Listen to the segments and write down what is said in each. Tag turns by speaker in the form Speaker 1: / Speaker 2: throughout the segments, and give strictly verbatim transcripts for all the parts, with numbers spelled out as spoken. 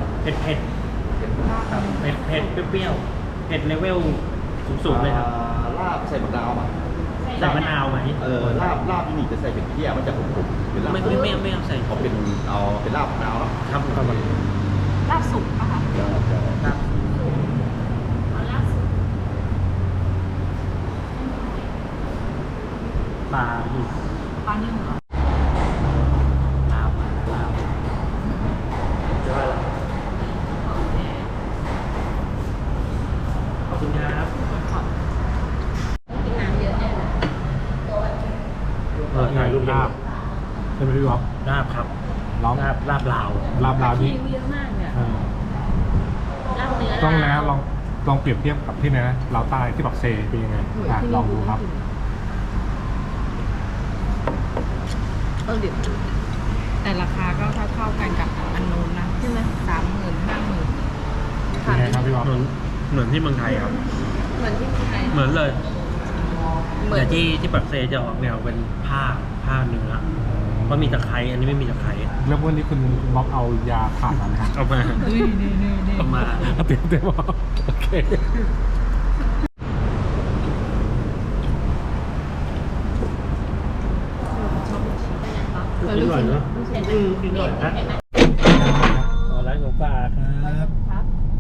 Speaker 1: เผ็ดเผ็ดครับเผ็ดเผ็ดเปรี้ยวๆเผ็ดเลเวลสูงๆเลยครับ
Speaker 2: ลาบใส่มะนาวป่ะ
Speaker 1: ใส่มะนาวไหม
Speaker 2: เออลาบลาบที่นี่จะใส่เป็นเพี้ยมันจะขมๆเป็นลาบ
Speaker 1: ไม่ไม่ไม่ไม่เอาใส่
Speaker 2: เขาเป็นเอาเป็นลาบมะนาวเนาะ
Speaker 1: ครับครับ
Speaker 3: ลาบสุกอะค่ะ
Speaker 1: ครับ
Speaker 3: เอาลาบสุก
Speaker 1: ปลาอีก
Speaker 3: ปลานึ่งเหรอ
Speaker 1: ลาวลาวขอบคุณครับ
Speaker 3: กินน้ำเยอะแน่เลย
Speaker 1: เออถ่ายรูปลาบ
Speaker 4: ใช่ไหมพี่บ๊อบ
Speaker 1: ลาบครับ
Speaker 4: ลอง
Speaker 1: ลาบลาบลาว
Speaker 4: ลาบลาว
Speaker 3: คิ
Speaker 4: นี่
Speaker 3: วเยอะมากเนี่ย
Speaker 4: เออ
Speaker 3: ลาบเนื้อ
Speaker 4: ต้องนะ
Speaker 3: ลาว
Speaker 4: ลองลองเปรียบเทียบกับที่ไหนนะลาวใต้ที่ปักเซเป็นยังไงอ่ะลองดูครับ
Speaker 3: เออเดี๋ยวแต่ราคาก็เท่าๆกันกับอันนู้นนะใช่ไหมสามหมื่นห้าหมื่น
Speaker 4: เป็นไงครับพี่บ๊อบ
Speaker 1: เหมือนเหมือนที่เมืองไทยครับ
Speaker 3: เหมือนที่เมืองไทย
Speaker 1: เหมือนเลย
Speaker 3: เหมือ
Speaker 1: แต่
Speaker 3: น
Speaker 1: ที่ที่ปักเซจะออกแนวเป็นผ้าผ้าเนื้อเพราะมีตะไคร้อันนี้ไม่มีตะไคร้
Speaker 4: แล้ววันนี้คุณบ๊อบเอายาผ่ามาไหมครับ
Speaker 1: เอามา
Speaker 3: นี่นี่นี่นี่
Speaker 1: เอามา
Speaker 4: เตรียมเตรียมบ๊อบโอเค
Speaker 1: กินหน่อยเนาะอืมกินหน่อยนะขอร้านของฝากครับ
Speaker 3: ครับ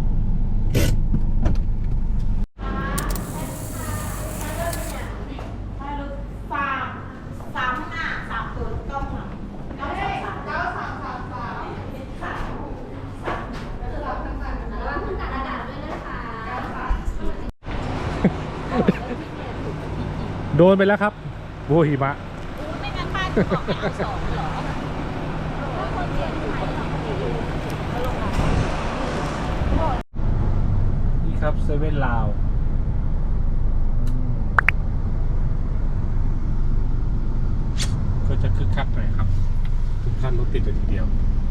Speaker 4: โดนไปแล้วครับโบหิมะ
Speaker 3: ไม่งั้นป้าจะบอกให้เอาสองเหรอ
Speaker 4: นี่ครับเซเว่นลาวก็จะคึกคักหน่อยครับทุกท่านรถติดเลยทีเดียว